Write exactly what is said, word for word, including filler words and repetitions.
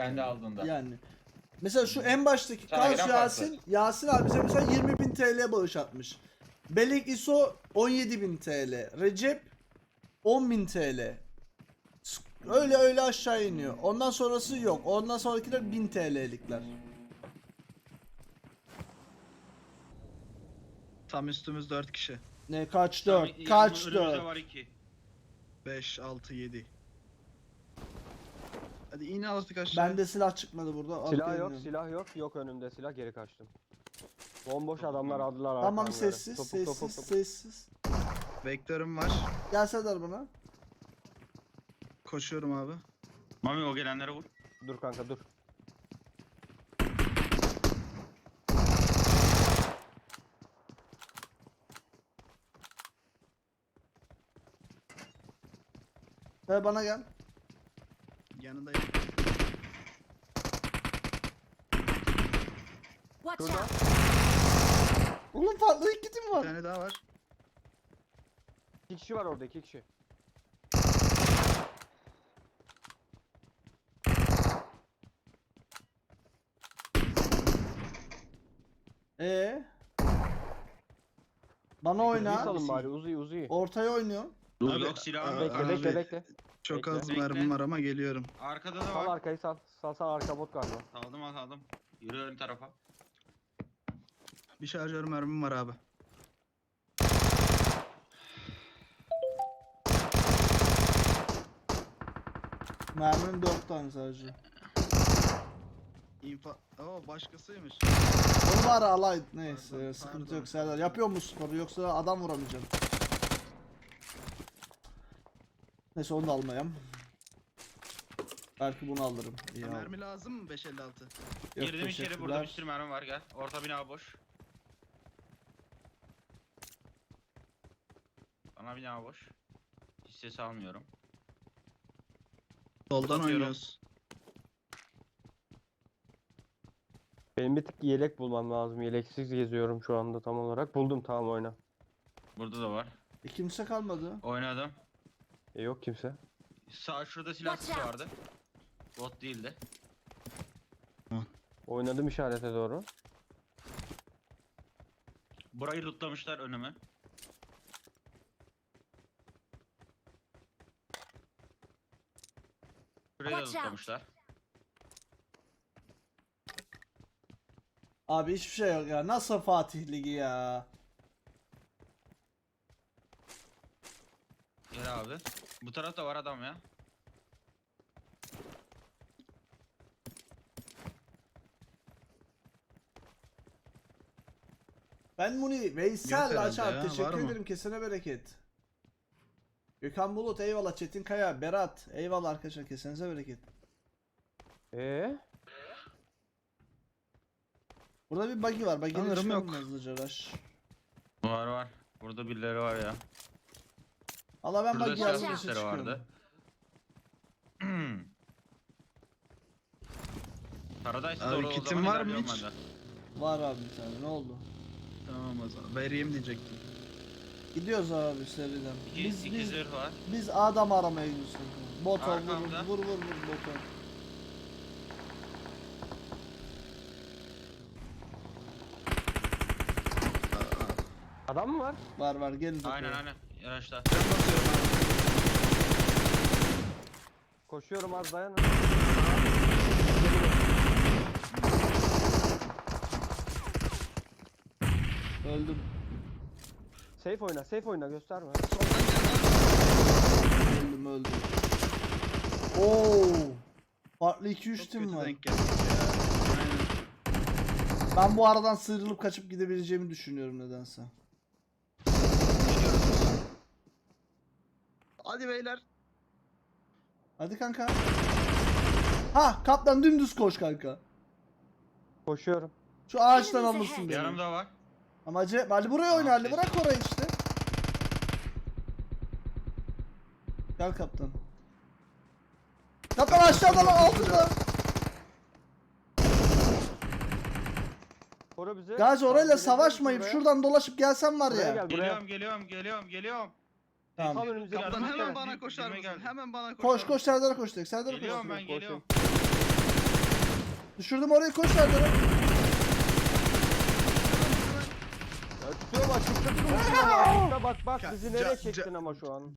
Kendi aldığında. Yani. Mesela şu en baştaki Sana Kaz gelen Yasin, farklı. Yasin abi bize mesela yirmi bin T L bağış atmış. Belek İso on yedi bin T L. Recep on bin T L. Öyle öyle aşağı iniyor. Ondan sonrası yok. Ondan sonrakiler bin T L'likler. Tam üstümüz dört kişi. Ne kaç Tamam, dört? yanımda- Kaç önümüzde dört? var iki. beş, altı, yedi. Hadi in artık aşağı. Bende silah çıkmadı burada. Silah Arkaya yok, iniyorum. silah yok. Yok önümde silah, geri kaçtım. Bomboş adamlar aldılar Tamam arkamları. sessiz Topuk, sessiz topuk, topuk. sessiz. Vektörüm var. Gel Serdar bana. Koşuyorum abi. Mami o gelenlere vur. Dur kanka dur. Ve bana gel. Yanındayım. Watch Şurada. out! Oğlum farklı iki tim Bir var. tane daha var. İki kişi var orada, iki kişi. Ee. Bana Uzi oyna. salın bari, uzi uzi. Ortaya oynuyor. Dur Abi, yok silahım abi, yok. Bekle bekle abi. bekle. Çok Bekle. az Bekle. mermim var ama geliyorum. Arkada da Sal var. arkayı sal. Sal sal, arka bot galiba. Aldım aldım. Yürü ön tarafa. Bir şarjör mermim var abi. Mermim dört tane sadece. İnfa... Oo başkasıymış. Onu var alay. Neyse Pardon, sıkıntı pardon. yok Serdar. Yapıyor musun sporu yoksa adam vuramayacağım. Neyse onu da almayayım. Belki bunu alırım. İyi al. Mermi lazım mı beş elli altı? Yok, Girdim içeri, burada bir teşekkürler. sürü mermi var, gel. Orta bina boş. Bana bina boş. Hiç ses almıyorum. Soldan Atıyorum. oynuyoruz. Benim bir tık yelek bulmam lazım. Yeleksiz geziyorum şu anda tam olarak. Buldum, tamam oyna. Burada da var. E, kimse kalmadı. Oynadım. E yok kimse. Sağ şurada silah Watch sesi out. vardı. Bot değildi. Oynadım işarete doğru. Burayı lootlamışlar önüme. Burayı da Watch out. lootlamışlar. Abi hiçbir şey yok ya. Nasıl Fatih Ligi ya? Gel abi. Bu tarafta var adam ya. Ben Muni Veysel herhalde Açar ya, teşekkür var mı? ederim, kesene bereket. Gökhan Bulut eyvallah, Çetin Kaya, Berat eyvallah arkadaşlar, kesenize bereket. Ee? Burada bir buggy var, buggy'yle Sanırım çıkalım yok. hızlıca rush. Var var. Burada birileri var ya. Allah ben Burada buggy silah yazmışa sesleri çıkıyorum. vardı. Paradise'a Abi doğru o kitin zaman var mı ilerliyorum hiç? ben de. Var abi bir tane, ne oldu? Tamam o zaman. Vereyim diyecektim. Gidiyoruz abi seriden. İki, Biz, iki biz, zırh var. biz adam aramaya gidiyoruz. Bot ol, vur, Arkamda. vur vur vur bot ol. Adam mı var? Var var gelin. Aynen aynen. Yaraşta. Ben basıyorum abi. Koşuyorum az dayan. Öldüm. Safe oyna, safe oyna, gösterme. Öldüm öldüm. Oo. Farklı iki üç Çok tim kötü var. denk geldik ya. Aynen. Ben bu aradan sıyrılıp kaçıp gidebileceğimi düşünüyorum nedense. Hadi beyler. Hadi kanka. Ha kaptan dümdüz koş kanka. Koşuyorum. Şu ağaçtan Enemies alırsın ahead. beni. Yanımda var. Ama acı Ali buraya oyna, Ali bırak orayı işte. Gel kaptan. Kaptan aşağıdan altında. Koru bizi. Gazi orayla Gelebiliriz savaşmayıp buraya. şuradan dolaşıp gelsen var Buraya ya. gel buraya. Geliyorum geliyorum geliyorum geliyorum. Tamam. Tam önümüzde. Kaptan Yardım- hemen yardım- bana yardım- koşar yardım- mısın? geldim. Hemen bana koşar Koş mısın? koş Serdar'a koş direkt. Serdar'a koş. Geliyorum ben koşuyorum. geliyorum. Düşürdüm orayı, koş Serdar'a. Ya tutuyorum açıkta tutuyorum ama açıkta bak bak Ya, bizi ca- nereye ca- çektin ama şu an.